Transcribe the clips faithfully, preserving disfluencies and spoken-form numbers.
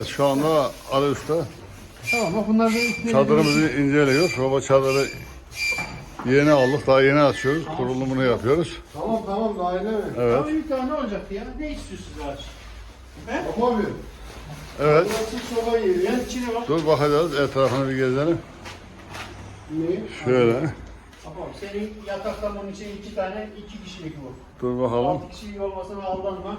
Şu anda Ali Usta Tamam bak bunlar da çadırımızı inceliyor. Baba çadırı yeni aldık. Daha yeni açıyoruz. Kurulumunu yapıyoruz. Tamam tamam daha öyle mi? Evet. Ama ilk daha ne olacaktı ya? Ne istiyorsunuz ağaç? He? Tamam abi. Evet. Burası soba yeri. Yan içine bak. Dur bakacağız. Etrafını bir gezelim. Ne? Şöyle. Tamam senin yataktan bunun için iki tane iki kişilik bu. Dur bakalım. Altı kişilik olmasına aldanma.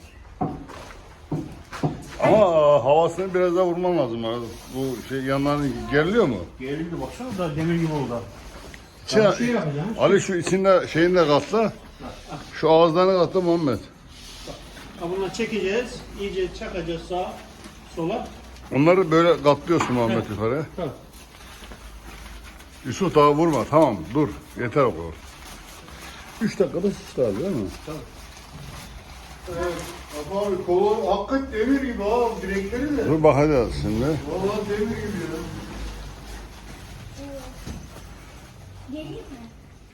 Ama havasını biraz daha vurman lazım. abi. Bu şey yanlarını geriliyor mu? Gerildi baksana da demir gibi oldu. İçine- Bir şey yapacağım. Ali şu içinde şeyini de katla. Şu ağızlarını katla Muhammed. Ha, bundan çekeceğiz. İyice çakacağız sağa sola. Onları böyle katlıyorsun Muhammed yukarıya. Tamam. Yusuf daha vurma. Tamam dur. Yeter o kadar. Üç dakikada şişti abi değil mi? Evet. Bak abi kolu hakikaten demir gibi ha. Direkleri de. Dur bakacağız şimdi. Vallahi demir gibi ya. Geleyim mi?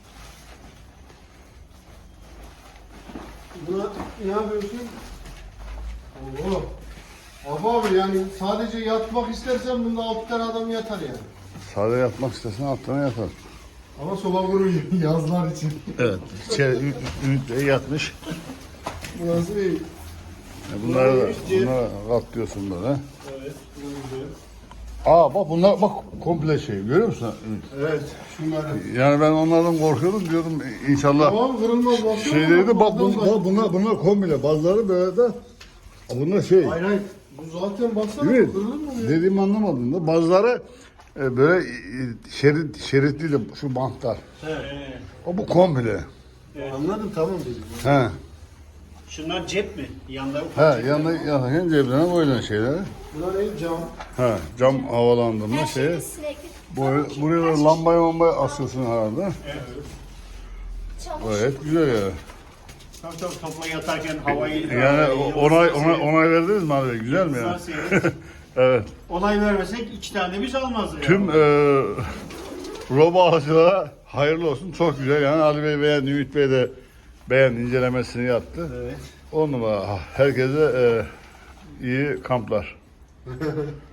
Buna ne yapıyorsun? Oo. Bak abi yani sadece yatmak istersen bunda altı tane adam yatar yani. Sade yatmak istersen altına yatar. Ama soba vuruyor yazlar için. Evet. İçeri ü- ü- ünite yatmış. Burası iyi. E bunları da bunları katlıyorsun böyle. Evet. Güzel. Aa bak bunlar bak komple şey görüyor musun? Evet. Şunları. Yani ben onlardan korkuyordum diyordum inşallah Tamam kırılmaz. baksana. şeyleri de bak, bun, Bazıları bak bunlar bunlar komple bazıları böyle de bunlar şey Hayır hayır. Bu zaten baksana değil mi? kırılır mı ya? Dediğimi anlamadın da bazıları e, böyle e, şerit şeritli de şu bantlar. Evet. O bu komple. Anladım tamam dedim. He. Şunlar cep mi? Yanda ufak He cepler yanına var. yanına cebine koyulan şeyler. Bunlar ne cam? He cam havalandırma Her şey. şeyde sürekli Bu, buraya da lambaya lambaya asıyorsun herhalde. çamaşır. Gayet güzel ya. Tabii tabii topla yatarken havayı... Yani o- onay, onay, onay verdiniz mi abi? Güzel mi ya? Evet. Onay vermesek iki tane biz almazdı ya. Tüm e, robo alıcılara hayırlı olsun. Çok güzel yani. Ali Bey beğendi, Ümit Bey de beğendi, incelemesini yaptı. Evet. On numara. Herkese e, iyi kamplar.